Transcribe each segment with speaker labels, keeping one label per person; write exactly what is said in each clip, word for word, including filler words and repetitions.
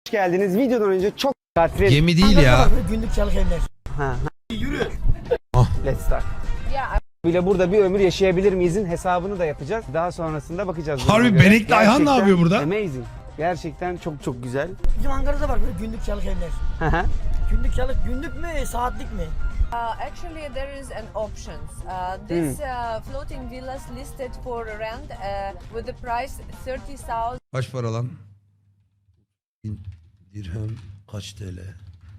Speaker 1: Hoş geldiniz. Videodan önce çok katret.
Speaker 2: Gemi değil ya.
Speaker 3: Günlük çalık evler.
Speaker 1: Ha.
Speaker 3: Yürü.
Speaker 1: Let's start. Bile burada bir ömür yaşayabilir miyizin hesabını da yapacağız. Daha sonrasında bakacağız.
Speaker 2: Harbi
Speaker 1: Buna göre.
Speaker 2: Benekli Ayhan ne
Speaker 1: Gerçekten
Speaker 2: yapıyor burada?
Speaker 1: Amazing. Gerçekten çok çok güzel.
Speaker 3: Bizim Ankara'da var böyle günlük çalık evler.
Speaker 1: Hı hı.
Speaker 3: Günlük çalık günlük mü saatlik mi?
Speaker 4: Uh, actually, there is an options. Uh, this uh, floating villas listed for rent uh, with the price thirty thousand.
Speaker 2: Kaç para lan? Bin dirhem kaç T L?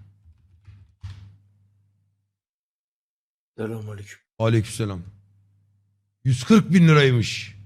Speaker 5: Selamünaleyküm.
Speaker 2: Aleykümselam. yüz kırk bin liraymış.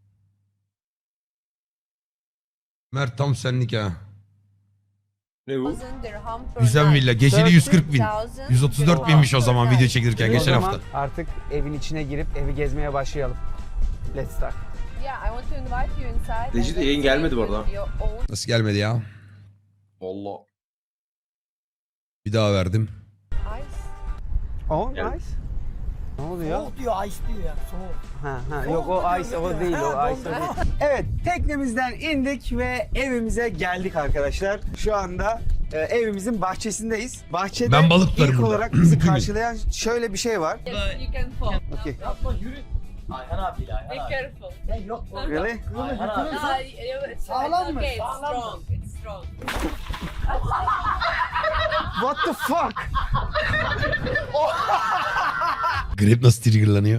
Speaker 2: Mert tam senlik ha.
Speaker 5: Ne bu?
Speaker 4: dirham per
Speaker 2: Güzel
Speaker 4: night.
Speaker 2: villa. Geceli yüz kırk bin.
Speaker 4: thirty thousand
Speaker 2: yüz otuz dört binmiş o zaman video çekilirken
Speaker 1: O
Speaker 2: geçen
Speaker 1: zaman
Speaker 2: hafta.
Speaker 1: artık evin içine girip evi gezmeye başlayalım. Let's start.
Speaker 4: Yeah, I want to invite you inside.
Speaker 5: Necid,
Speaker 4: and
Speaker 5: yayın
Speaker 4: let's
Speaker 5: gelmedi bu
Speaker 4: see
Speaker 5: arada.
Speaker 4: your own
Speaker 2: Nasıl gelmedi ya?
Speaker 5: Allah.
Speaker 2: Bir daha verdim.
Speaker 4: eyes.
Speaker 1: Oh
Speaker 5: Gel.
Speaker 1: nice. Ne oluyor?
Speaker 3: Soğuk diyor, ice diyor ya. Soğuk.
Speaker 1: Ha, ha.
Speaker 3: Soğuk
Speaker 1: Yok o
Speaker 3: diyor,
Speaker 1: ice o
Speaker 3: diyor.
Speaker 1: değil o
Speaker 3: Ha,
Speaker 1: ice o
Speaker 3: dondu.
Speaker 1: değil. Evet teknemizden indik ve evimize geldik arkadaşlar. Şu anda e, evimizin bahçesindeyiz. Bahçede
Speaker 2: Ben balık tutarım
Speaker 1: ilk
Speaker 2: burada.
Speaker 1: olarak bizi karşılayan şöyle bir şey var.
Speaker 4: Yes, you can fall.
Speaker 1: Okay.
Speaker 3: Yapma yürü. Ayhan abi
Speaker 4: Be
Speaker 3: Ayhan abi.
Speaker 4: careful.
Speaker 3: Ya yok.
Speaker 1: Really?
Speaker 3: Ayhan abi.
Speaker 4: Uh, you- it's,
Speaker 3: Sağlam
Speaker 4: it's
Speaker 3: mı?
Speaker 4: okay. It's
Speaker 3: Sağlam mı?
Speaker 4: strong. It's strong.
Speaker 1: What the fuck?
Speaker 2: Grip nasıl triggerlanıyor?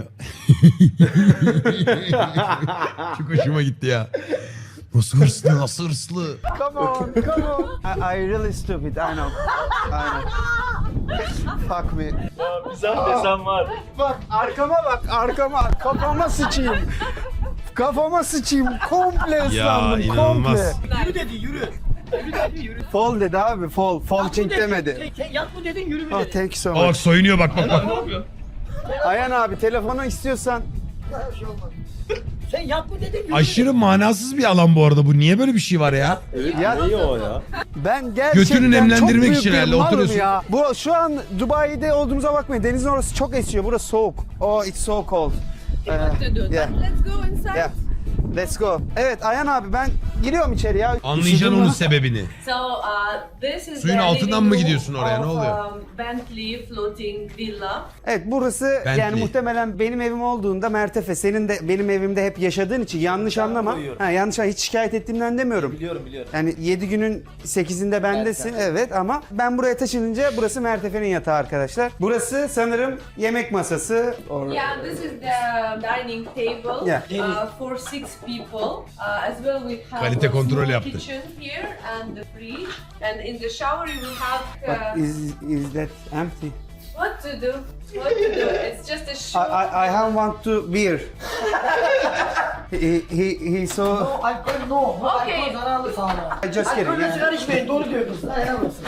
Speaker 2: Çok hoşuma gitti ya. Nasıl hırslı, nasıl hırslı.
Speaker 1: Come on, come on. I, I really stupid, I know. I know. Fuck me.
Speaker 5: Bizden desem var.
Speaker 1: Bak arkama bak, arkama. Kafama sıçayım. Kafama sıçayım. Komple ıslandım,
Speaker 2: inanılmaz.
Speaker 1: komple.
Speaker 3: Yürü dedi yürü. Yürü dedi yürü.
Speaker 1: Fall dedi abi, fall. Fall çek demedi.
Speaker 3: Sen yat mı dedin yürü mü
Speaker 1: Oh,
Speaker 3: dedin?
Speaker 1: thank you so
Speaker 2: Aa, bak
Speaker 1: much.
Speaker 2: soyunuyor bak bak bak.
Speaker 1: Ayhan abi telefonu istiyorsan.
Speaker 3: Bir şey olmaz. Sen yat mı dedin yürü.
Speaker 2: Aşırı manasız bir alan bu arada bu. Niye böyle bir şey var ya?
Speaker 5: Evet,
Speaker 1: Ya-
Speaker 5: ne o ya?
Speaker 1: Ben gerçekten
Speaker 2: Götünü nemlendirmek
Speaker 1: çok büyük
Speaker 2: için
Speaker 1: bir
Speaker 2: herhalde
Speaker 1: malım
Speaker 2: oturuyorsun.
Speaker 1: ya. Bu şu an Dubai'de olduğumuza bakmayın. Denizin orası çok esiyor. Burası soğuk. Oh, it's so cold.
Speaker 4: What to do?
Speaker 1: yeah.
Speaker 4: But let's go inside.
Speaker 1: Yeah. Let's go. Evet Ayhan abi ben giriyorum içeri ya.
Speaker 2: Anlayacaksın
Speaker 1: Üşüdüm
Speaker 2: onun
Speaker 1: lan.
Speaker 2: sebebini.
Speaker 4: So uh, this is
Speaker 2: Suyun
Speaker 4: the
Speaker 2: altından
Speaker 4: living
Speaker 2: mı
Speaker 4: room
Speaker 2: gidiyorsun oraya? Ne
Speaker 4: of,
Speaker 2: oluyor?
Speaker 4: um, Bentley floating villa.
Speaker 1: Evet burası yani
Speaker 2: Bentley.
Speaker 1: muhtemelen benim evim olduğunda Mertefe senin de benim evimde hep yaşadığın için yanlış anlama.
Speaker 5: koyuyorum.
Speaker 1: Ha, yanlış hiç şikayet ettiğimden demiyorum.
Speaker 5: Biliyorum biliyorum.
Speaker 1: Yani yedi günün sekizinde bendesin evet ama ben buraya taşınınca burası Mertefe'nin yatağı arkadaşlar. Burası sanırım yemek masası. Or...
Speaker 4: Yeah, this is the dining table
Speaker 1: Yeah.
Speaker 4: uh, for six people. Uh, as well, we have
Speaker 2: Kalite
Speaker 4: a
Speaker 2: kontrol
Speaker 4: small
Speaker 2: yaptı.
Speaker 4: kitchen here and the fridge. And in the shower, you will have
Speaker 1: But
Speaker 4: uh,
Speaker 1: is, is that empty?
Speaker 4: what to do. What to do? It's just a
Speaker 1: I,
Speaker 4: short.
Speaker 1: I, I have want to beer. he, he, he so...
Speaker 3: No alkol no. No
Speaker 4: Okay.
Speaker 3: alkol zararlı sağlığa.
Speaker 1: I just kidding.
Speaker 3: Alkolle
Speaker 1: yani.
Speaker 3: sigara içmeyin doğru diyor kız. Helal olsun.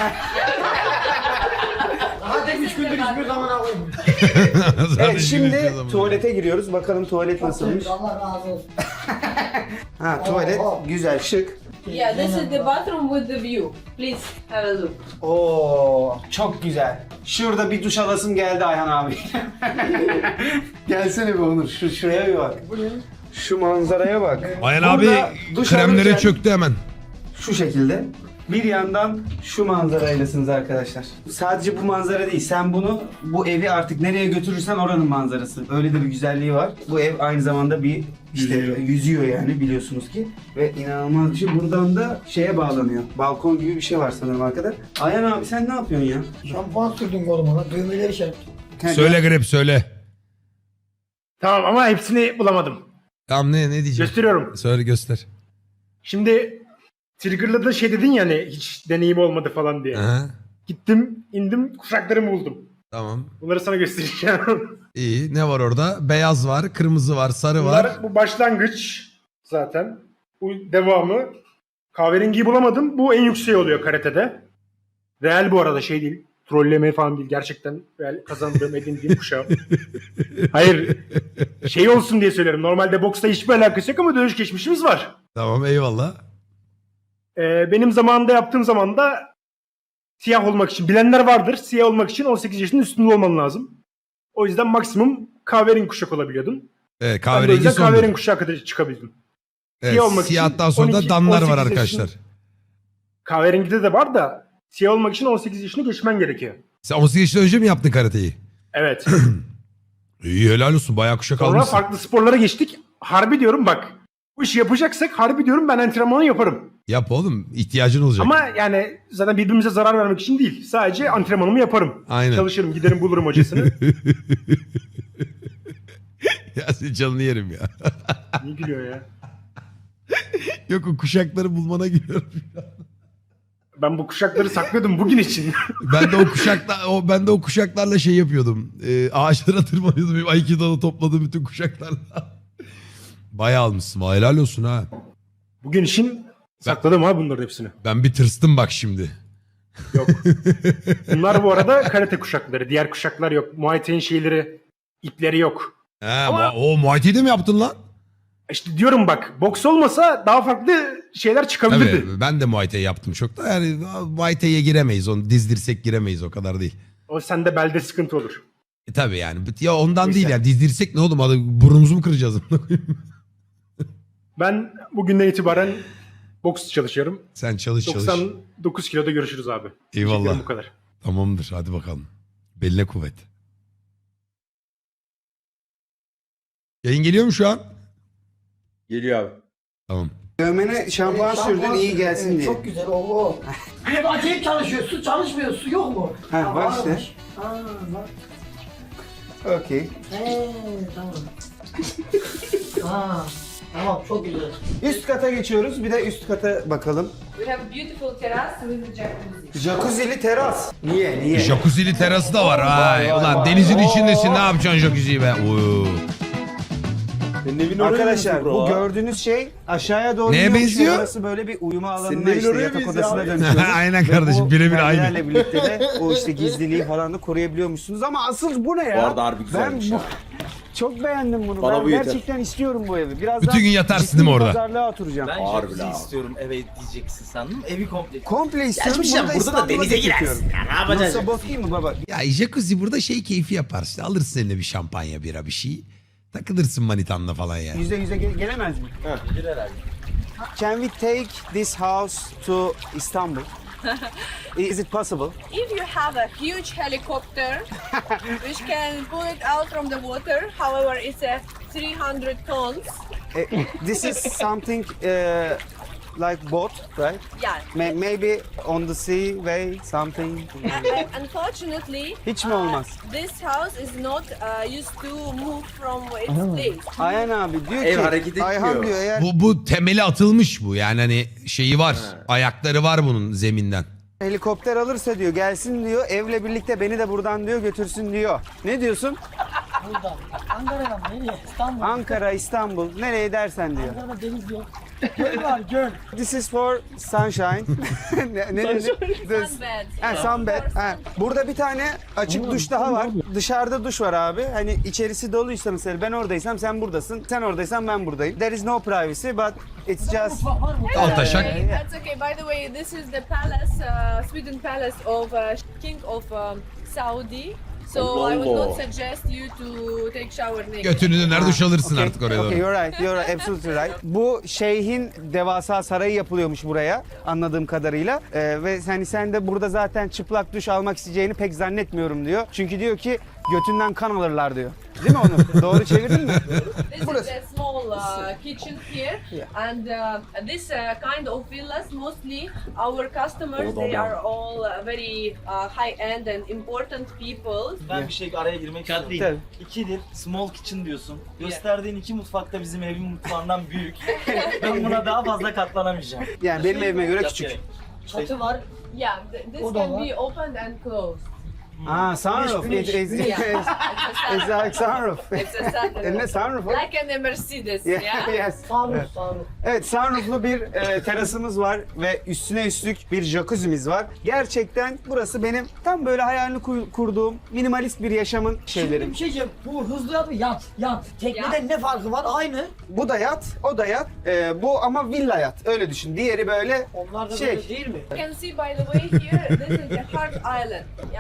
Speaker 3: Hadi üç gündür hiçbir zaman alayım.
Speaker 1: Evet şimdi tuvalete giriyoruz. Bakalım tuvalet nasılmış.
Speaker 3: Allah razı olsun.
Speaker 1: Ha tuvalet
Speaker 3: Oh, oh.
Speaker 1: güzel şık.
Speaker 4: Yeah, this is the bathroom with the view. Please have a look.
Speaker 1: Oo çok güzel. Şurada bir duş alasım geldi Ayhan abi. Gelsene bir Onur. Şu şuraya bir bak.
Speaker 3: Bu ne?
Speaker 1: Şu manzaraya bak.
Speaker 2: Ayhan abi
Speaker 1: Burada duş
Speaker 2: kremlere
Speaker 1: alırken
Speaker 2: çöktü hemen.
Speaker 1: Şu şekilde. Bir yandan şu manzaraylasınız arkadaşlar. Sadece bu manzara değil. Sen bunu bu evi artık nereye götürürsen oranın manzarası. Öyle de bir güzelliği var. Bu ev aynı zamanda bir işte yüzüyor, yani biliyorsunuz ki. Ve inanılmaz bir şey. Buradan da şeye bağlanıyor. Balkon gibi bir şey var sanırım arkada. Ayhan abi sen ne yapıyorsun ya?
Speaker 3: Şampuan sürdün koluma. Düğmeleri şey.
Speaker 2: Söyle Grip söyle.
Speaker 6: Tamam ama hepsini bulamadım.
Speaker 2: Tamam ne ne diyeceğim?
Speaker 6: Gösteriyorum.
Speaker 2: Söyle göster.
Speaker 6: Şimdi Trigger'la şey dedin ya hani hiç deneyim olmadı falan diye.
Speaker 2: Aha,
Speaker 6: Gittim, indim, kuşaklarımı buldum.
Speaker 2: tamam.
Speaker 6: Bunları sana göstereceğim.
Speaker 2: İyi. Ne var orada? Beyaz var, kırmızı var, sarı var.
Speaker 6: Bunlar bu başlangıç zaten. Bu devamı. Kahverengiyi bulamadım. Bu en yüksek oluyor karatede. Real bu arada şey değil. Trolleme falan değil. Gerçekten real kazandığım, edindiğim kuşağım. Hayır. Şey olsun diye söylerim. Normalde boksta hiçbir alakası yok ama dövüş geçmişimiz var.
Speaker 2: Tamam eyvallah.
Speaker 6: Ee, benim zamanında yaptığım zaman da siyah olmak için, bilenler vardır, siyah olmak için on sekiz yaşının üstünde olman lazım. O yüzden maksimum kahverengi kuşak olabiliyordun.
Speaker 2: Evet
Speaker 6: Ben de o
Speaker 2: kahverengi
Speaker 6: yüzden
Speaker 2: sondur.
Speaker 6: kahverengi kuşağa kadar çıkabildim.
Speaker 2: Evet,
Speaker 6: siyah olmak için
Speaker 2: siyahtan sonra da
Speaker 6: on iki
Speaker 2: danlar
Speaker 6: on
Speaker 2: var
Speaker 6: sekiz
Speaker 2: arkadaşlar.
Speaker 6: yaşın- Kahverengide de var da siyah olmak için on sekiz yaşını geçmen gerekiyor.
Speaker 2: Sen on sekiz yaşından önce mi yaptın karateyi?
Speaker 6: Evet.
Speaker 2: İyi helal olsun. Bayağı kuşak
Speaker 6: Sonra
Speaker 2: almışsın.
Speaker 6: farklı sporlara geçtik. Harbi diyorum bak. Bu işi yapacaksak harbi diyorum ben antrenmanı yaparım.
Speaker 2: Yap oğlum. İhtiyacın olacak.
Speaker 6: Ama yani zaten birbirimize zarar vermek için değil. Sadece antrenmanımı yaparım.
Speaker 2: Aynen.
Speaker 6: Çalışırım, giderim bulurum hocasını.
Speaker 2: Ya senin canını yerim ya.
Speaker 6: Niye gülüyor ya?
Speaker 2: Yok o kuşakları bulmana gülüyorum.
Speaker 6: Ben bu kuşakları saklıyordum bugün için.
Speaker 2: Ben de o kuşakla o ben de o kuşaklarla şey yapıyordum. Ee, ağaçlara tırmanıyordum. Benim Aikido'da topladığım bütün kuşaklarla. Bayağı almışsın. Helal olsun ha.
Speaker 6: Bugün için sakladım ha bunların hepsini.
Speaker 2: Ben bir tırstım bak şimdi.
Speaker 6: Yok. Bunlar bu arada karate kuşakları. Diğer kuşaklar yok. Muay Thai'nin şeyleri, ipleri yok.
Speaker 2: He,
Speaker 6: Ama-
Speaker 2: ma- o Muay Thai'de mi yaptın lan?
Speaker 6: İşte diyorum bak, boks olmasa daha farklı şeyler çıkabilirdi.
Speaker 2: Evet, ben de Muay Thai yaptım çok da yani Muay Thai'ye giremeyiz. Onu dizdirsek giremeyiz o kadar değil.
Speaker 6: O sende belde sıkıntı olur.
Speaker 2: E tabii yani. Ya ondan
Speaker 6: Neyse.
Speaker 2: değil yani. Dizdirsek ne oğlum? Hadi burnumuzu mu kıracağız?
Speaker 6: Ben bugünden itibaren boks çalışıyorum.
Speaker 2: Sen çalış çalış.
Speaker 6: doksan dokuz kiloda görüşürüz abi.
Speaker 2: Eyvallah.
Speaker 6: Teşekkürler, bu kadar.
Speaker 2: Tamamdır hadi bakalım. Beline kuvvet. Yayın geliyor mu şu an?
Speaker 5: Geliyor abi.
Speaker 2: Tamam.
Speaker 1: Dövmene şampuan sürdün iyi gelsin diye.
Speaker 3: Çok güzel o. Bir acayip çalışıyor. Su çalışmıyor. Su yok mu?
Speaker 1: Ha, var işte.
Speaker 3: varmış. Ha, var.
Speaker 1: Okey.
Speaker 3: He, tamam. ha, tamam çok güzel.
Speaker 1: Üst kata geçiyoruz. Bir de üst kata bakalım.
Speaker 4: We have beautiful terrace with jacuzzi.
Speaker 1: Jacuzzi'li teras. Niye? Niye?
Speaker 2: Jacuzzi'li terası da var. Ay,
Speaker 1: vay,
Speaker 2: ulan
Speaker 1: vay.
Speaker 2: denizin
Speaker 1: Oo.
Speaker 2: içindesin ne yapacaksın jacuzziyi be? Oo.
Speaker 5: Senin evin oraya
Speaker 1: Arkadaşlar
Speaker 5: benziyor
Speaker 1: bu
Speaker 5: bro.
Speaker 1: gördüğünüz şey aşağıya doğru
Speaker 2: Neye
Speaker 1: iniyormuş ve
Speaker 2: benziyor?
Speaker 1: Orası böyle bir uyuma alanına
Speaker 5: Senin evin
Speaker 1: işte
Speaker 5: oraya
Speaker 1: yatak
Speaker 5: benziyor
Speaker 1: odasına
Speaker 5: abi.
Speaker 1: dönüşüyor.
Speaker 2: Aynen
Speaker 1: Ve
Speaker 2: kardeşim,
Speaker 1: bu
Speaker 2: birebir aynı.
Speaker 1: perdelerle birlikte de o işte gizliliği falan da koruyabiliyormuşsunuz ama asıl bu ne ya?
Speaker 5: Bu arada harbi güzelmiş
Speaker 1: ben
Speaker 5: ya.
Speaker 1: çok beğendim bunu.
Speaker 5: Bana
Speaker 1: ben
Speaker 5: bu yeter.
Speaker 1: gerçekten istiyorum bu evi. Birazdan
Speaker 2: Bütün gün yatarsın
Speaker 1: ciddi
Speaker 2: değil mi
Speaker 1: bir
Speaker 2: orada?
Speaker 1: Pazarlığa oturacağım.
Speaker 7: Ben
Speaker 5: Harbi
Speaker 7: jacuzzi
Speaker 5: lan.
Speaker 7: istiyorum eve diyeceksin sandım. Evi komple.
Speaker 1: Komple istiyorum.
Speaker 7: Geçmişten burada da
Speaker 1: İstanbul'a
Speaker 7: denize
Speaker 1: getiriyorum.
Speaker 7: girersin. Ya, ne yapacaksın?
Speaker 1: Nasıl bot değil mi baba?
Speaker 2: Ya jacuzzi burada şey keyfi yapar işte. Alırsın eline bir şampanya bira bir şey. Takılırsın manitanla falan ya.
Speaker 1: Yüzde yüze ge- gelemez mi?
Speaker 7: Bir herhalde.
Speaker 1: Can we take this house to Istanbul? Is it possible?
Speaker 4: If you have a huge helicopter, which can pull it out from the water, however, it's a three hundred tons.
Speaker 1: Eh, this is something uh, like boat, right?
Speaker 4: Yeah.
Speaker 1: May- maybe on the sea way something.
Speaker 4: Uh, uh, unfortunately,
Speaker 1: Hiç mi
Speaker 4: uh,
Speaker 1: olmaz?
Speaker 4: this house is not uh, used to move from its place.
Speaker 1: Ayhan abi diyor
Speaker 5: Ev
Speaker 1: ki,
Speaker 5: hareket
Speaker 1: Ayhan
Speaker 5: etmiyor.
Speaker 1: diyor eğer
Speaker 2: Bu, bu temeli atılmış bu. Yani hani şeyi var. Ayakları var bunun zeminden.
Speaker 1: helikopter alırsa diyor gelsin diyor evle birlikte beni de buradan diyor götürsün diyor. Ne diyorsun?
Speaker 3: Buradan. Ankara'dan nereye? İstanbul.
Speaker 1: Ankara, İstanbul nereye dersen diyor.
Speaker 3: Ankara'da deniz yok. Göl var göl.
Speaker 1: This is for sunshine. ne, ne, ne, This-
Speaker 4: Sunbed.
Speaker 1: Ha, sunbed. Ha. Burada bir tane açık duş daha var. Dışarıda duş var abi. Hani içerisi doluysa mesela ben oradaysam sen buradasın. Sen oradaysan ben buradayım. There is no privacy but it's just...
Speaker 3: Mutfak var mı?
Speaker 2: Altaşak.
Speaker 4: Okay, that's okay. By the way, this is the palace, uh, Sweden palace of uh, King of um, Saudi. So I would not suggest you to take shower naked.
Speaker 2: Götünü döner duş alırsın
Speaker 1: Okay,
Speaker 2: artık oraya
Speaker 1: okay,
Speaker 2: doğru.
Speaker 1: you're right, you're right, absolutely right. Bu şeyhin devasa sarayı yapılıyormuş buraya anladığım kadarıyla. Ee, ve hani sen de burada zaten çıplak duş almak isteyeceğini pek zannetmiyorum diyor. Çünkü diyor ki götünden kan alırlar diyor. Değil mi onu? Doğru çevirdin mi?
Speaker 4: This is a small uh, kitchen here, and uh, this uh, kind of villas mostly our customers they are all uh, very uh, high-end and important people.
Speaker 7: Ben bir şey araya girmek
Speaker 1: Tabii.
Speaker 7: istiyorum. İkidir small kitchen diyorsun. Gösterdiğin iki mutfak da bizim evin mutfağından büyük. Ben buna daha fazla katlanamayacağım.
Speaker 1: Yani benim evime göre
Speaker 7: Yap
Speaker 1: küçük.
Speaker 7: gerek.
Speaker 3: Çatı var.
Speaker 4: Yeah, th- this
Speaker 3: O da
Speaker 4: can
Speaker 3: var.
Speaker 4: be opened and closed.
Speaker 1: Aa, sunroof.
Speaker 3: Güneş,
Speaker 1: It is,
Speaker 3: güneş.
Speaker 4: Yeah,
Speaker 1: it's
Speaker 4: it's a
Speaker 1: like sunroof.
Speaker 4: It's a sunroof.
Speaker 1: Eline sunroof var.
Speaker 4: Like a Mercedes,
Speaker 1: Yeah,
Speaker 4: yeah?
Speaker 1: yes.
Speaker 3: Sağlık sağlık.
Speaker 1: Evet, sunrooflu bir e, terasımız var ve üstüne üstlük bir jacuzzi'miz var. Gerçekten burası benim tam böyle hayalini ku- kurduğum minimalist bir yaşamın şeyleri.
Speaker 3: Şimdi bir şey diyeceğim. Bu hızlı yat mı? Yat. Yat. Tekneden ne farkı var? Aynı.
Speaker 1: Bu da yat, o da yat. E, bu ama villa yat. Öyle düşün. Diğeri böyle
Speaker 3: Onlar da
Speaker 1: şey.
Speaker 3: böyle değil mi?
Speaker 4: You can see by the way here, this is the Heart Island. Yeah, and this will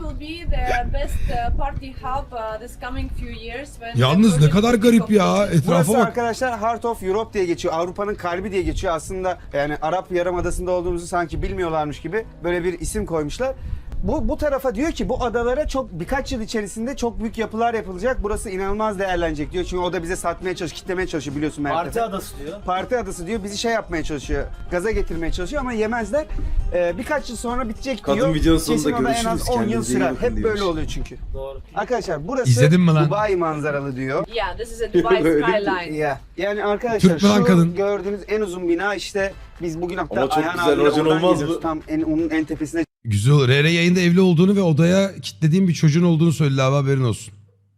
Speaker 4: will be the best uh, party hub uh, this coming few years when
Speaker 2: Yalnız
Speaker 4: the
Speaker 2: ne kadar
Speaker 4: project
Speaker 2: garip ya.
Speaker 4: completed.
Speaker 2: Etrafa
Speaker 1: Burası
Speaker 2: bak.
Speaker 1: arkadaşlar Heart of Europe diye geçiyor. Avrupa'nın kalbi diye geçiyor. Aslında yani Arap Yarımadası'nda olduğumuzu sanki bilmiyorlarmış gibi böyle bir isim koymuşlar. Bu, bu tarafa diyor ki bu adalara çok birkaç yıl içerisinde çok büyük yapılar yapılacak. Burası inanılmaz değerlenecek diyor. Çünkü o da bize satmaya çalışıyor, kitlemeye çalışıyor biliyorsun Mert
Speaker 7: Parti
Speaker 1: Efe.
Speaker 7: adası diyor.
Speaker 1: Parti adası diyor. Bizi şey yapmaya çalışıyor. Gaza getirmeye çalışıyor ama yemezler. Ee, birkaç yıl sonra bitecek
Speaker 5: Kadın
Speaker 1: diyor.
Speaker 5: videonun sonunda
Speaker 1: Kesin o da en
Speaker 5: görüşürüz,
Speaker 1: az on yıl
Speaker 5: kendinize iyi
Speaker 1: sürer.
Speaker 5: bakın
Speaker 1: Hep
Speaker 5: diyormuş.
Speaker 1: böyle oluyor çünkü.
Speaker 7: Doğru.
Speaker 1: Arkadaşlar burası
Speaker 2: İzledin mi lan?
Speaker 1: Dubai manzaralı diyor.
Speaker 4: Yeah, this is a Dubai
Speaker 5: Öyle mi?
Speaker 4: skyline.
Speaker 1: Ya yani arkadaşlar
Speaker 2: Türk mü lan
Speaker 1: şu
Speaker 2: kadın?
Speaker 1: gördüğünüz en uzun bina işte biz bugün hatta
Speaker 5: Ama çok
Speaker 1: Ayhan
Speaker 5: güzel,
Speaker 1: abiyle
Speaker 5: racon
Speaker 1: oradan
Speaker 5: olmaz
Speaker 1: gidiyoruz.
Speaker 5: mı?
Speaker 1: Tam en, onun en tepesine
Speaker 2: Güzel olur. R R yayında evli olduğunu ve odaya kilitlediğim bir çocuğun olduğunu söyledi abi, haberin olsun.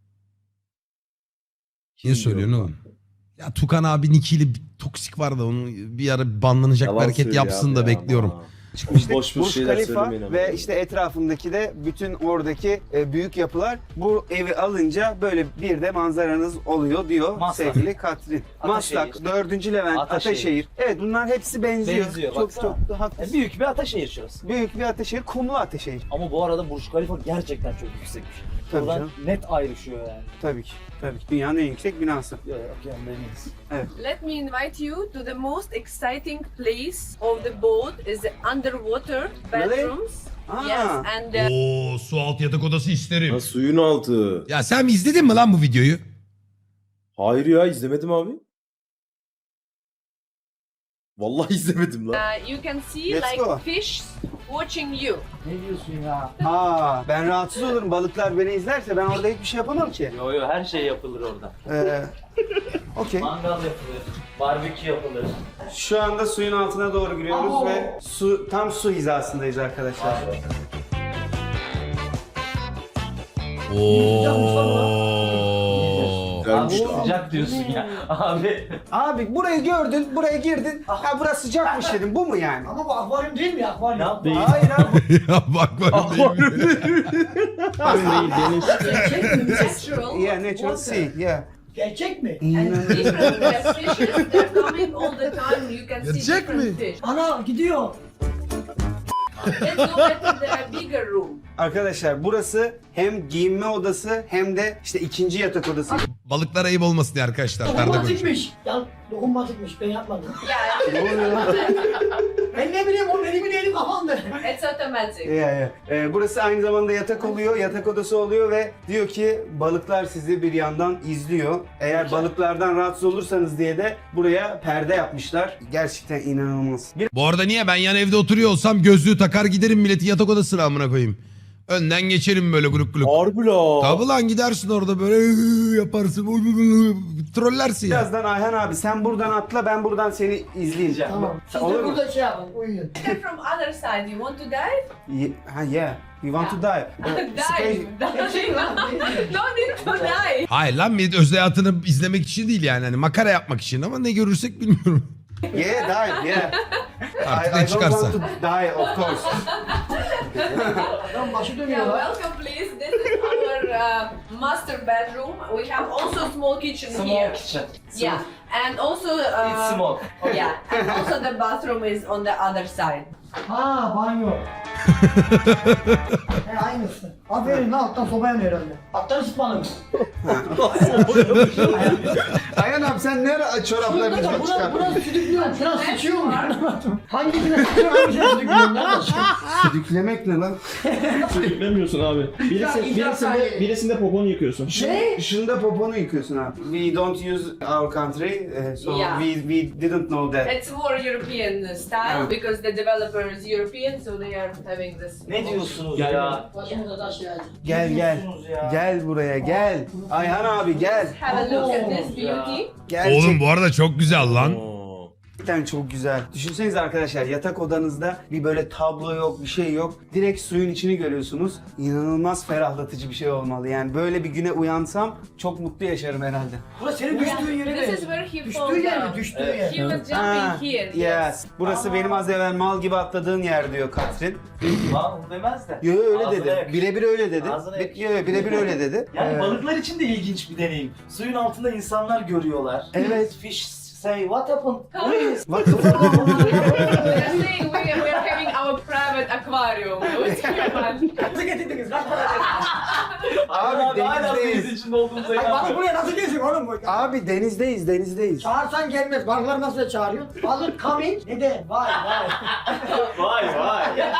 Speaker 2: Niye söylüyorsun oğlum? Ya Tukan abi Niki'yle bir toksik var da onun bir ara banlanacak bir
Speaker 5: Yalan
Speaker 2: hareket
Speaker 5: söylüyor
Speaker 2: yapsın
Speaker 5: abi
Speaker 2: da
Speaker 5: ya,
Speaker 2: bekliyorum.
Speaker 5: ama.
Speaker 1: çıkmıştık.
Speaker 5: Boş boş
Speaker 1: Burj
Speaker 5: şeyler
Speaker 1: Khalifa
Speaker 5: söylemeyin ama.
Speaker 1: ve işte etrafındaki de bütün oradaki e, büyük yapılar bu evi alınca böyle bir de manzaranız oluyor diyor
Speaker 7: Maslak.
Speaker 1: sevgili Katrin.
Speaker 7: Ataşehir.
Speaker 1: Maslak, dördüncü Levent,
Speaker 7: Ataşehir.
Speaker 1: Ataşehir. Evet bunlar hepsi benziyor.
Speaker 7: Benziyor,
Speaker 1: çok
Speaker 7: baksana.
Speaker 1: çok haklısın.
Speaker 7: Yani büyük bir Ataşehir şurası.
Speaker 1: Büyük bir Ataşehir, kumlu Ataşehir.
Speaker 7: Ama bu arada Burj Khalifa gerçekten çok yüksekmiş.
Speaker 1: Tabii
Speaker 7: Oradan
Speaker 1: canım.
Speaker 7: net ayrışıyor yani.
Speaker 1: Tabii ki. Tabii ki. Dünyanın en yüksek binası.
Speaker 7: Yok yok yani emiyiz.
Speaker 4: Let me invite you to the most exciting place of the boat is the underwater
Speaker 1: Really?
Speaker 4: bedrooms.
Speaker 1: Ah.
Speaker 4: Yes, and uh,
Speaker 2: Oo, su altı yatak odası isterim.
Speaker 5: Ha, suyun altı.
Speaker 2: Ya sen izledin mi lan bu videoyu?
Speaker 5: Hayır ya, izlemedim abi. Vallahi izlemedim lan.
Speaker 4: uh, you can see
Speaker 1: Let's
Speaker 4: like
Speaker 1: go.
Speaker 4: fish watching you.
Speaker 3: Ne diyorsun ya?
Speaker 1: Aa, ben rahatsız olurum balıklar beni izlerse ben orada hiçbir şey yapamam ki.
Speaker 7: Yo yo her şey yapılır orada.
Speaker 1: Ee, Okey.
Speaker 7: Mangal yapılır, barbekü yapılır.
Speaker 1: Şu anda suyun altına doğru giriyoruz
Speaker 3: Abo.
Speaker 1: ve su tam su hizasındayız arkadaşlar.
Speaker 2: Oo.
Speaker 5: Güzelmiş
Speaker 7: Abi
Speaker 5: lan.
Speaker 7: sıcak diyorsun ya. Abi
Speaker 1: Abi burayı gördün, buraya girdin. Ha burası sıcakmış dedim. Bu mu yani?
Speaker 3: Ama bu akvaryum değil mi akvaryum?
Speaker 7: ne yaptın?
Speaker 1: Hayır abi.
Speaker 2: Ya bak bak.
Speaker 4: Natural
Speaker 1: Yeah, natural sea. Yeah.
Speaker 3: Gerçek mi?
Speaker 4: and different uh, fishes. They're coming all the time. You can see
Speaker 2: Gerçek
Speaker 4: different
Speaker 2: mi?
Speaker 4: fish.
Speaker 3: Ana gidiyor.
Speaker 4: Let's go back to the bigger room.
Speaker 1: Arkadaşlar burası hem giyinme odası hem de işte ikinci yatak odası.
Speaker 2: Balıklar ayıp olmasın diye arkadaşlar. Nerede konuşuyor?
Speaker 3: Dokunmatikmiş. Ya dokunmatikmiş ben yapmadım.
Speaker 4: Yeah,
Speaker 1: Ne oluyor lan?
Speaker 3: Ben ne bileyim o elimin eli kafamda.
Speaker 4: it's automatic.
Speaker 1: Yeah, yeah. Ee, burası aynı zamanda yatak oluyor, yatak odası oluyor ve diyor ki balıklar sizi bir yandan izliyor. Eğer balıklardan rahatsız olursanız diye de buraya perde yapmışlar. Gerçekten inanılmaz. Bir
Speaker 2: Bu arada niye ben yan evde oturuyor olsam gözlüğü takar giderim milletin yatak odasına amına koyayım. Önden geçerim böyle grup grup.
Speaker 5: Harbi la.
Speaker 2: Tabi lan gidersin orada böyle yaparsın. Trollersin ya.
Speaker 1: birazdan Ayhan abi sen buradan atla ben buradan seni izleyeceğim.
Speaker 3: Tamam. Siz
Speaker 1: Olur
Speaker 3: de
Speaker 1: mu?
Speaker 3: burada şey yapın uyuyun.
Speaker 4: From other side, you want to dive?
Speaker 1: Ye- ha yeah. You want to dive. Uh,
Speaker 4: Dive.
Speaker 1: space-
Speaker 4: Dive. No need to dive.
Speaker 2: Hayır lan millet özel hayatını izlemek için değil yani. Hani makara yapmak için ama ne görürsek bilmiyorum.
Speaker 1: Yeah, dive. Yeah.
Speaker 2: Artık
Speaker 1: I, I
Speaker 2: ne
Speaker 1: don't
Speaker 2: çıkarsa.
Speaker 1: want to die of course.
Speaker 3: Adam başı dönüyor
Speaker 4: Yeah,
Speaker 3: lan.
Speaker 4: welcome please. This is our uh, master bedroom. We have also small kitchen
Speaker 7: Small
Speaker 4: here.
Speaker 7: kitchen.
Speaker 4: Yeah, and also
Speaker 7: It's
Speaker 4: uh,
Speaker 7: small.
Speaker 4: yeah, and also the bathroom is on the other side.
Speaker 3: Ha banyo. He aynısı. Aferin lan alttan soba yanıyor herhalde. Alttan ısıtmalı mı?
Speaker 1: Ayhan abi sen ne ara çoraplarını
Speaker 3: Buna, buna,
Speaker 1: çıkarttın?
Speaker 3: buna südüklüyorum. Şuna sıçıyor mu? Hangisine sıçıyor hangisine südüklüyorum lan?
Speaker 1: Düdüklemek ne lan?
Speaker 8: Beklemiyorsun abi. Birisi,
Speaker 3: İdrak
Speaker 8: birisinde,
Speaker 3: saniye.
Speaker 8: birisinde poponu yıkıyorsun.
Speaker 3: Ne?
Speaker 1: Şunda poponu yıkıyorsun abi. We don't use our country, uh, so
Speaker 4: Yeah.
Speaker 1: we we didn't know that.
Speaker 4: It's more European style
Speaker 1: Yeah.
Speaker 4: because the developer is European, so they are having this.
Speaker 7: Ne diyorsunuz
Speaker 8: Gel
Speaker 7: ya?
Speaker 3: Başımıza taş geldi.
Speaker 1: Gel gel.
Speaker 7: diyorsunuz ya?
Speaker 1: Gel buraya gel. Ayhan abi gel.
Speaker 4: Have a look at this
Speaker 7: Yeah.
Speaker 4: beauty.
Speaker 1: Gerçekten
Speaker 2: Oğlum bu arada çok güzel lan.
Speaker 5: Oo.
Speaker 1: çok güzel. Düşünsenize arkadaşlar yatak odanızda bir böyle tablo yok, bir şey yok. Direkt suyun içini görüyorsunuz. İnanılmaz ferahlatıcı bir şey olmalı. Yani böyle bir güne uyansam çok mutlu yaşarım herhalde.
Speaker 3: Burası senin düştüğün yere
Speaker 4: This is
Speaker 3: benziyor.
Speaker 4: where he
Speaker 3: Düştüğü
Speaker 4: falls
Speaker 3: yer mi?
Speaker 4: down.
Speaker 3: Düştüğü
Speaker 7: Evet.
Speaker 3: yer.
Speaker 4: He was jumping
Speaker 1: Ha,
Speaker 4: here.
Speaker 1: yes. Burası benim az evvel mal gibi atladığın yer diyor Katrin.
Speaker 7: Lan demez de.
Speaker 1: Yo yo, öyle
Speaker 7: Ağzına
Speaker 1: dedi.
Speaker 7: yakışır.
Speaker 1: Birebir öyle dedi.
Speaker 7: Ağzına
Speaker 1: Bi-
Speaker 7: yakışır.
Speaker 1: Yo yo, birebir öyle dedi.
Speaker 7: Yani
Speaker 1: Ee,
Speaker 7: balıklar için de ilginç bir deneyim. Suyun altında insanlar görüyorlar.
Speaker 1: Evet.
Speaker 7: Fish say what happened?
Speaker 1: What the fuck?
Speaker 4: We are saying we are, we are having our private aquarium with human.
Speaker 3: Nasıl getirdiniz? Kaç para verdiniz?
Speaker 1: Abi
Speaker 7: Abi hala
Speaker 1: denizdeyiz.
Speaker 7: deniz içinde olduğumuza
Speaker 3: Ay, balık
Speaker 7: inanmıyorum.
Speaker 3: buraya nasıl geziyor oğlum bu?
Speaker 1: Abi denizdeyiz, denizdeyiz.
Speaker 3: Çağırsan gelmez. Balıklar nasıl çağırıyor? Balık coming. Neden? Vay vay.
Speaker 7: Vay vay.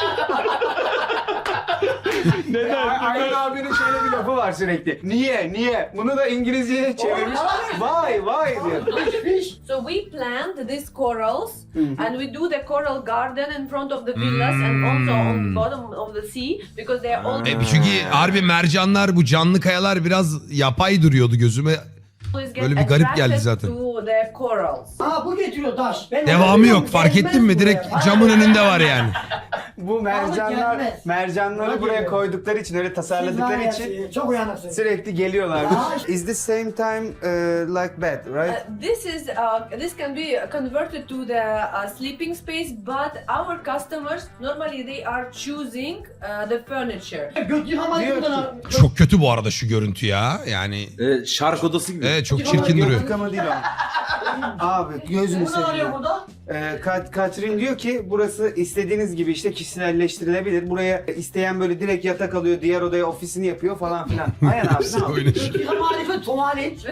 Speaker 1: Ayhan abinin şöyle bir lafı var sürekli. Niye, niye? Bunu da İngilizceye çevirmiş. Vay, vay diyor.
Speaker 3: Fish.
Speaker 4: So we plant these corals and we do the coral garden in front of the villas and also on the bottom of the sea because they are all
Speaker 2: E, çünkü harbi mercanlar, bu canlı kayalar biraz yapay duruyordu gözüme.
Speaker 4: always get
Speaker 2: Böyle bir garip geldi
Speaker 4: attracted
Speaker 2: zaten.
Speaker 4: to the corals.
Speaker 3: Aa bu getiriyor taş. Ben
Speaker 2: Devamı yok, fark
Speaker 3: Gelmez
Speaker 2: ettin mi?
Speaker 3: buraya.
Speaker 2: Direkt
Speaker 3: Vay.
Speaker 2: camın önünde var yani.
Speaker 1: Bu mercanlar,
Speaker 3: gelmez.
Speaker 1: mercanları
Speaker 3: Buna
Speaker 1: buraya
Speaker 3: geliyor.
Speaker 1: koydukları için, öyle
Speaker 3: Siz
Speaker 1: tasarladıkları
Speaker 3: var ya,
Speaker 1: için
Speaker 3: çok uyanıksınız.
Speaker 1: sürekli geliyorlarmış.
Speaker 3: Ya.
Speaker 1: Is the same time uh, like bed, right?
Speaker 4: Uh, this is uh, this can be converted to the uh, sleeping space, but our customers normally they are choosing uh, the furniture.
Speaker 3: Göt yıkamayı
Speaker 1: Diyor
Speaker 3: buradan.
Speaker 2: Çok kötü bu arada şu görüntü ya. Yani
Speaker 5: Evet, şark odası gibi.
Speaker 2: evet, çok çirkin duruyor.
Speaker 1: Yıkama değil o. Abi gözünü
Speaker 3: Bunu arıyor
Speaker 1: seveyim.
Speaker 3: burada.
Speaker 1: Ee, Kat Katrin diyor ki burası istediğiniz gibi işte kişiselleştirilebilir. Buraya isteyen böyle direkt yatak alıyor, diğer odaya ofisini yapıyor falan filan. Ayhan abi ne yapıyor?
Speaker 2: Oynaş-
Speaker 3: Göt yıkama harifi tuvalet.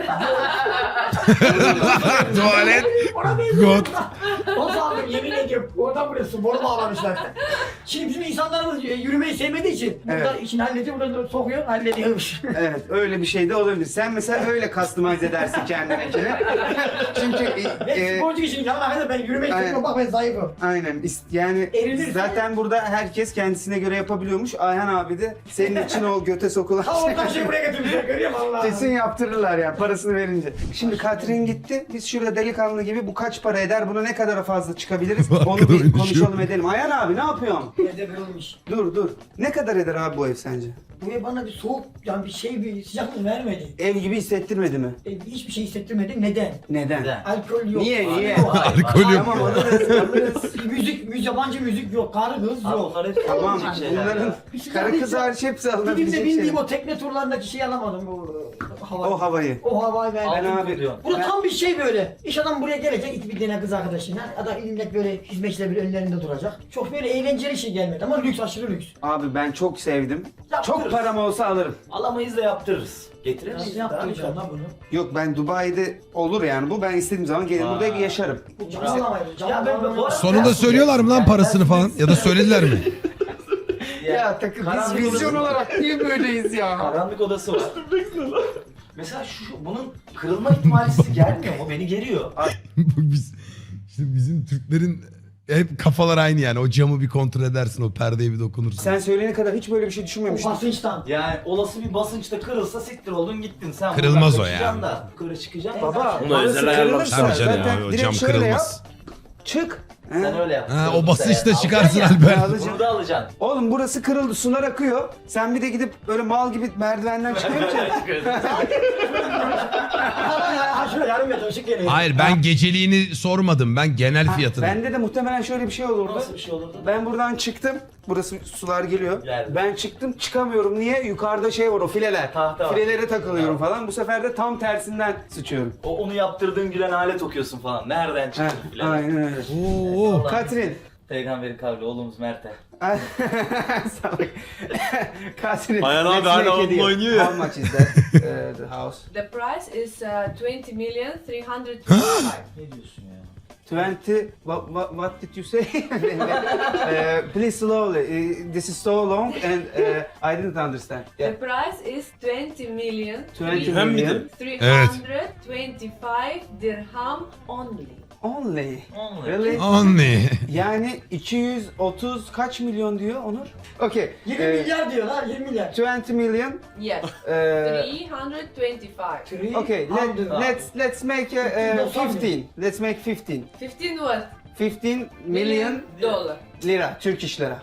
Speaker 2: Tuvalet.
Speaker 3: Ona benziyor.
Speaker 2: God.
Speaker 3: O zaman yemin ediyorum oradan buraya su boru bağlamışlar. Şimdi bizim insanlarımız e, yürümeyi sevmediği için burada
Speaker 1: Evet.
Speaker 3: işini hallediyor, burada sokuyor, hallediyormuş.
Speaker 1: Evet öyle bir şey de olabilir. Sen mesela öyle customize edersin kendininkini. Çünkü
Speaker 3: Ben
Speaker 1: e,
Speaker 3: sporcu işini yapmak ben yürümeyi
Speaker 1: Aynen.
Speaker 3: seviyorum, bak ben zayıfım.
Speaker 1: aynen is- yani
Speaker 3: Erilirse-
Speaker 1: zaten burada herkes kendisine göre yapabiliyormuş. Ayhan abi de senin için o göte sokulan
Speaker 3: Ha oradan şey buraya getirmişler, görüyor musun Allah?
Speaker 1: kesin yaptırırlar ya parasını verince. Şimdi Katrin gitti. Biz şurada delikanlı gibi bu kaç para eder? Buna ne kadar fazla çıkabiliriz? Onu
Speaker 2: Arkada
Speaker 1: bir
Speaker 2: oynaşıyor.
Speaker 1: konuşalım edelim. Ayhan abi ne yapıyorsun?
Speaker 3: Evde kırılmış.
Speaker 1: Dur dur. Ne kadar eder abi bu ev sence?
Speaker 3: Bu ev bana bir soğuk, yani bir şey, bir sıcaklık vermedi.
Speaker 1: Ev gibi hissettirmedi mi?
Speaker 3: E, hiçbir şey hissettirmedi. Neden?
Speaker 1: Neden?
Speaker 7: Neden?
Speaker 3: Alkol yok.
Speaker 1: Niye niye?
Speaker 2: Alkol yok.
Speaker 1: Tamam alırız alırız.
Speaker 3: Müzik, müzik, yabancı müzik yok. Karı kız
Speaker 7: Abi
Speaker 3: yok.
Speaker 7: bunlar hep
Speaker 1: Tamam
Speaker 7: olacak şeyler
Speaker 1: bunların
Speaker 7: ya.
Speaker 1: karı kız hariç hepsi
Speaker 3: Bir de
Speaker 1: alınabilecek
Speaker 3: bildiğim
Speaker 1: şeyler.
Speaker 3: o tekne turlarındaki şeyi alamadım bu e, havayı.
Speaker 1: O havayı.
Speaker 3: O havayı ben.
Speaker 1: Ben
Speaker 7: Altın
Speaker 1: abi-
Speaker 7: diyorsun.
Speaker 3: Burada
Speaker 1: Ben-
Speaker 3: tam bir şey böyle. İş adam buraya gelecek, iki bir tane kız arkadaşıyla. Adam millet böyle hizmetçiler bir önlerinde duracak. Çok böyle eğlenceli şey gelmedi ama lüks, aşırı lüks.
Speaker 1: Abi ben çok sevdim.
Speaker 7: Yaptırırız.
Speaker 1: Çok param olsa alırım.
Speaker 7: Alamayız da yaptırırız. Getirir
Speaker 3: Nasıl
Speaker 7: misin?
Speaker 3: yaptıracağım lan bunu?
Speaker 1: Yok ben Dubai'de olur yani bu. Ben istediğim zaman gelir burada
Speaker 7: Aa.
Speaker 1: yaşarım.
Speaker 3: Bu camı alamayız. Camı
Speaker 7: Ya ben-
Speaker 3: alamayız.
Speaker 7: bu arada-
Speaker 2: Sonunda söylüyorlar mı lan parasını falan? Ya da söylediler mi?
Speaker 1: Ya takım biz
Speaker 7: Karanlık
Speaker 1: vizyon
Speaker 7: odası-
Speaker 1: olarak niye böyleyiz ya?
Speaker 7: Karanlık odası var. Mesela şu, şu bunun kırılma ihtimali sizi germiyor mu? Beni geriyor.
Speaker 2: Biz, işte bizim Türklerin hep kafalar aynı yani. O camı bir kontrol edersin, o perdeye bir dokunursun.
Speaker 1: Sen söyleyene kadar hiç böyle bir şey
Speaker 3: O
Speaker 1: düşünmemiştim.
Speaker 3: basınçtan.
Speaker 7: Yani olası bir basınçta kırılsa siktir oldun gittin. Sen
Speaker 2: Kırılmaz
Speaker 7: buradan
Speaker 2: o
Speaker 7: kaçacaksın
Speaker 2: yani.
Speaker 7: Da, yukarı çıkacaksın.
Speaker 1: Baba
Speaker 5: Bunu
Speaker 1: orası
Speaker 5: özel
Speaker 1: kırılırsa
Speaker 5: ayarlamışlar.
Speaker 2: Tabii canım
Speaker 1: zaten
Speaker 2: ya, o
Speaker 1: direkt
Speaker 2: cam
Speaker 1: şöyle yap.
Speaker 2: kırılmaz.
Speaker 1: Çık.
Speaker 7: Sen
Speaker 1: He.
Speaker 7: öyle yap.
Speaker 2: Ha, o
Speaker 7: Kırılırsa
Speaker 2: basınçta
Speaker 7: yani.
Speaker 2: çıkarsın
Speaker 7: Alacaksın
Speaker 2: Alper.
Speaker 1: Ben
Speaker 7: ya.
Speaker 1: alacağım.
Speaker 7: Bunu da alacaksın.
Speaker 1: Oğlum burası kırıldı, sular akıyor. Sen bir de gidip böyle mal gibi merdivenden çıkıyorsun.
Speaker 3: Ha şöyle yarım metre ışık geliyor.
Speaker 2: Hayır, ben geceliğini sormadım. Ben genel fiyatını.
Speaker 1: Bende de muhtemelen şöyle bir şey olurdu.
Speaker 7: Nasıl bir şey olurdu?
Speaker 1: Ben buradan çıktım. Burası sular geliyor.
Speaker 7: Geldi.
Speaker 1: Ben çıktım çıkamıyorum. Niye? Yukarıda şey var o fileler.
Speaker 7: Tahta var.
Speaker 1: Filelere takılıyorum falan. Bu sefer de tam tersinden sıçıyorum.
Speaker 7: O onu yaptırdığın gülen alet okuyorsun falan. Nereden
Speaker 1: Heh,
Speaker 7: çıktı bile.
Speaker 1: aynen öyle.
Speaker 2: Oo.
Speaker 1: Katrin.
Speaker 7: Peygamberin kavli oğlumuz Mert'e.
Speaker 1: Salak. Katrin.
Speaker 5: Ayhan abi
Speaker 1: let's
Speaker 5: hala
Speaker 1: make a
Speaker 5: onunla
Speaker 1: deal.
Speaker 5: oynuyor ya.
Speaker 1: How much is that? uh, the house.
Speaker 4: The price is uh, twenty million three hundred twenty-five.
Speaker 7: Ne diyorsun ya?
Speaker 1: twenty. What, what, what did you say? uh, please slowly. Uh, this is so long and uh, I didn't understand. Yeah.
Speaker 4: The price is twenty million
Speaker 1: twenty
Speaker 5: Dirhem
Speaker 1: million.
Speaker 5: miydi?
Speaker 4: three
Speaker 2: Evet.
Speaker 4: hundred twenty-five dirham only.
Speaker 1: Only.
Speaker 7: Only.
Speaker 1: Really?
Speaker 2: Anne.
Speaker 1: Yani iki yüz otuz kaç milyon diyor Onur? Okay.
Speaker 3: yirmi
Speaker 1: eh,
Speaker 3: milyar diyorlar, yirmi milyar.
Speaker 1: twenty million.
Speaker 4: Yes,
Speaker 1: Uh,
Speaker 4: three hundred twenty-five.
Speaker 3: Three
Speaker 1: okay, let,
Speaker 3: hundred.
Speaker 1: let's let's make a, uh, fifteen. Let's make fifteen.
Speaker 4: Fifteen what?
Speaker 1: fifteen million
Speaker 4: dollar.
Speaker 1: lira, Türk iş lira.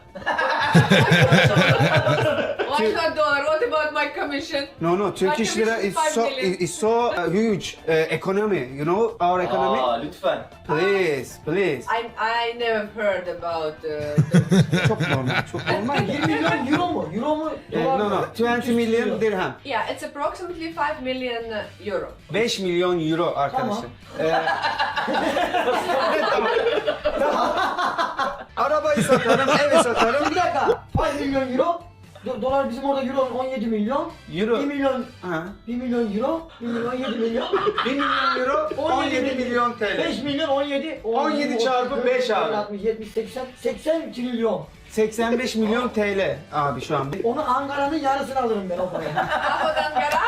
Speaker 4: Why not dollar? What about my commission?
Speaker 1: No, no, Turkish
Speaker 4: My
Speaker 1: lira is
Speaker 4: commission is
Speaker 1: so
Speaker 4: five million.
Speaker 1: is so uh, huge uh, economy. You know our economy.
Speaker 7: Aa lütfen.
Speaker 1: Please, please.
Speaker 4: I I never heard about uh,
Speaker 1: Çok normal, çok normal.
Speaker 3: yirmi milyon euro mu? Euro mu?
Speaker 1: Eh,
Speaker 3: Dolar
Speaker 1: no,
Speaker 3: mı?
Speaker 1: no, twenty million dirham.
Speaker 4: yeah, it's approximately five million euro.
Speaker 1: beş milyon euro arkadaşlar. Ee, tamam. Tamam. Araba arabayı satarım, evi satarım.
Speaker 3: Bir dakika. Kaç milyon euro? Do- Dolar bizim orada euro on yedi milyon.
Speaker 1: Euro.
Speaker 3: bir milyon,
Speaker 1: Ha.
Speaker 3: bir milyon euro, bir milyon yedi milyon.
Speaker 1: bir milyon euro, on yedi milyon T L.
Speaker 3: beş milyon on yedi.
Speaker 1: on yedi çarpı beş abi.
Speaker 3: altmış, yetmiş, seksen, seksen trilyon.
Speaker 1: seksen beş milyon T L abi şu an.
Speaker 3: Onu Ankara'nın yarısını alırım ben o parayı.
Speaker 4: About Ankara?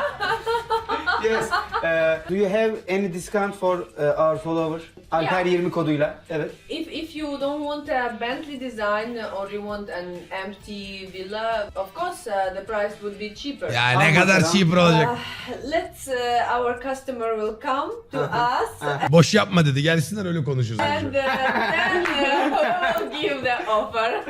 Speaker 1: Yes. Uh, do you have any discount for uh, our follower? Alper yirmi koduyla. Evet.
Speaker 4: If if you don't want a Bentley design or you want an empty villa, of course uh, the price would be cheaper.
Speaker 2: Ya ne kadar
Speaker 1: mesela.
Speaker 2: cheaper olacak.
Speaker 4: Uh, let's uh, our customer will come to us
Speaker 2: Boş yapma dedi. Gelsinler öyle konuşuruz.
Speaker 4: and uh, then uh, we'll give the offer.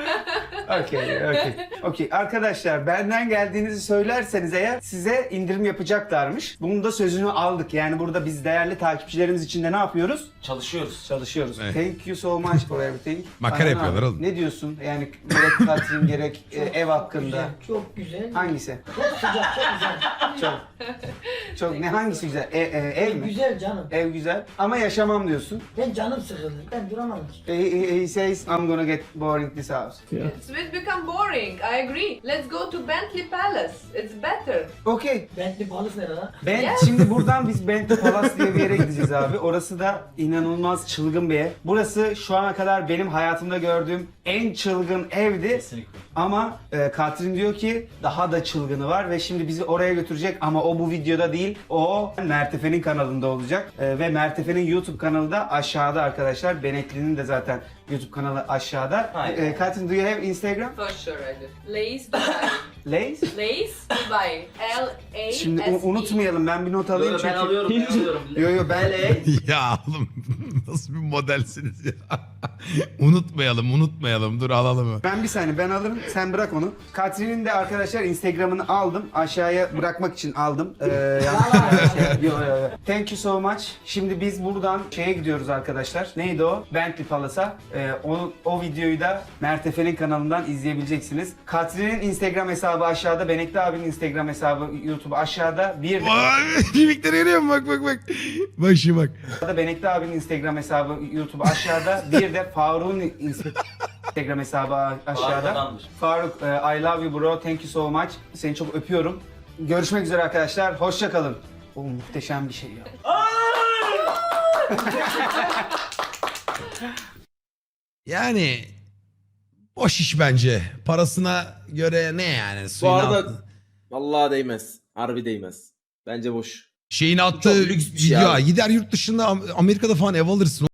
Speaker 1: Okay, okay. Okay. Arkadaşlar benden geldiğinizi söylerseniz eğer size indirim yapacaklarmış. Bunun da sözünü aldık. Yani burada biz değerli takipçilerimiz için de ne yapıyoruz?
Speaker 7: Çalışıyoruz.
Speaker 1: Çalışıyoruz.
Speaker 2: Evet.
Speaker 1: Thank you so much for everything.
Speaker 2: Makara
Speaker 1: Ayhan
Speaker 2: yapıyorlar
Speaker 1: abi,
Speaker 2: oğlum.
Speaker 1: Ne diyorsun? Yani gerek Katrin gerek e, ev hakkında.
Speaker 3: Güzel, çok güzel.
Speaker 1: Hangisi?
Speaker 3: Çok sıcak, çok güzel.
Speaker 1: Çok. Çok ne hangisi güzel? E, e, ev mi?
Speaker 3: Güzel canım.
Speaker 1: Ev güzel ama yaşamam diyorsun.
Speaker 3: Ben canım sıkıldı. Ben duramam ki.
Speaker 1: He, he, he says I'm gonna get boring this house.
Speaker 4: It will become boring. I agree. Let's go to Bentley Palace. It's better.
Speaker 1: Okay.
Speaker 3: Bentley Palace nerede lan?
Speaker 1: Ben
Speaker 4: Yes.
Speaker 1: şimdi buradan biz Bentley Palace diye bir yere gideceğiz abi. Orası da inanılmaz çılgın bir ev. Burası şu ana kadar benim hayatımda gördüğüm en çılgın evdi.
Speaker 7: Kesinlikle.
Speaker 1: Ama e, Katrin diyor ki daha da çılgını var ve şimdi bizi oraya götürecek ama o bu videoda değil. O Mertefe'nin kanalında olacak. E, ve Mertefe'nin YouTube kanalı da aşağıda arkadaşlar. Benekli'nin de zaten YouTube kanalı aşağıda.
Speaker 7: Aynen.
Speaker 1: E, Katrin, do you have Instagram?
Speaker 4: For sure I do. Lace Dubai.
Speaker 1: Lace?
Speaker 4: Lace Dubai. L A S E.
Speaker 1: Şimdi u- unutmayalım, ben bir not alayım
Speaker 7: Yo,
Speaker 1: çünkü.
Speaker 7: ben alıyorum, ben alıyorum.
Speaker 1: Yo yo ben
Speaker 2: Ya oğlum nasıl bir modelsiniz ya. unutmayalım unutmayalım dur alalım.
Speaker 1: Ben bir saniye ben alırım sen bırak onu. Katrin'in de arkadaşlar Instagram'ını aldım. Aşağıya bırakmak için aldım. Ee, yanlış şey. Yo, yo, yo. Thank you so much. Şimdi biz buradan şeye gidiyoruz arkadaşlar. Neydi o? Bentley Palace'a. Ee, o, o videoyu da Mertefe'nin kanalından izleyebileceksiniz. Katrin'in Instagram hesabı aşağıda. Benekli abinin Instagram hesabı YouTube aşağıda. Bir de
Speaker 2: Vay, mimikleri görüyor musun? Bak bak bak. Bak şimdi bak.
Speaker 1: da Benekli abinin Instagram hesabı YouTube aşağıda. Bir de Faruk'un Instagram hesabı aşağıda.
Speaker 7: Faruk'tandır.
Speaker 1: Faruk, e, I love you bro. Thank you so much. Seni çok öpüyorum. Görüşmek üzere arkadaşlar. Hoşça kalın. O muhteşem bir şey ya.
Speaker 2: Yani boş iş bence. Parasına göre ne yani?
Speaker 5: Bu
Speaker 2: Suyun
Speaker 5: arada
Speaker 2: altı-
Speaker 5: vallahi değmez. Harbi değmez. Bence boş.
Speaker 2: Şeyin attığı
Speaker 5: Çok lüks bir şey
Speaker 2: video.
Speaker 5: abi.
Speaker 2: Gider yurt dışında Am- Amerika'da falan ev alırsın.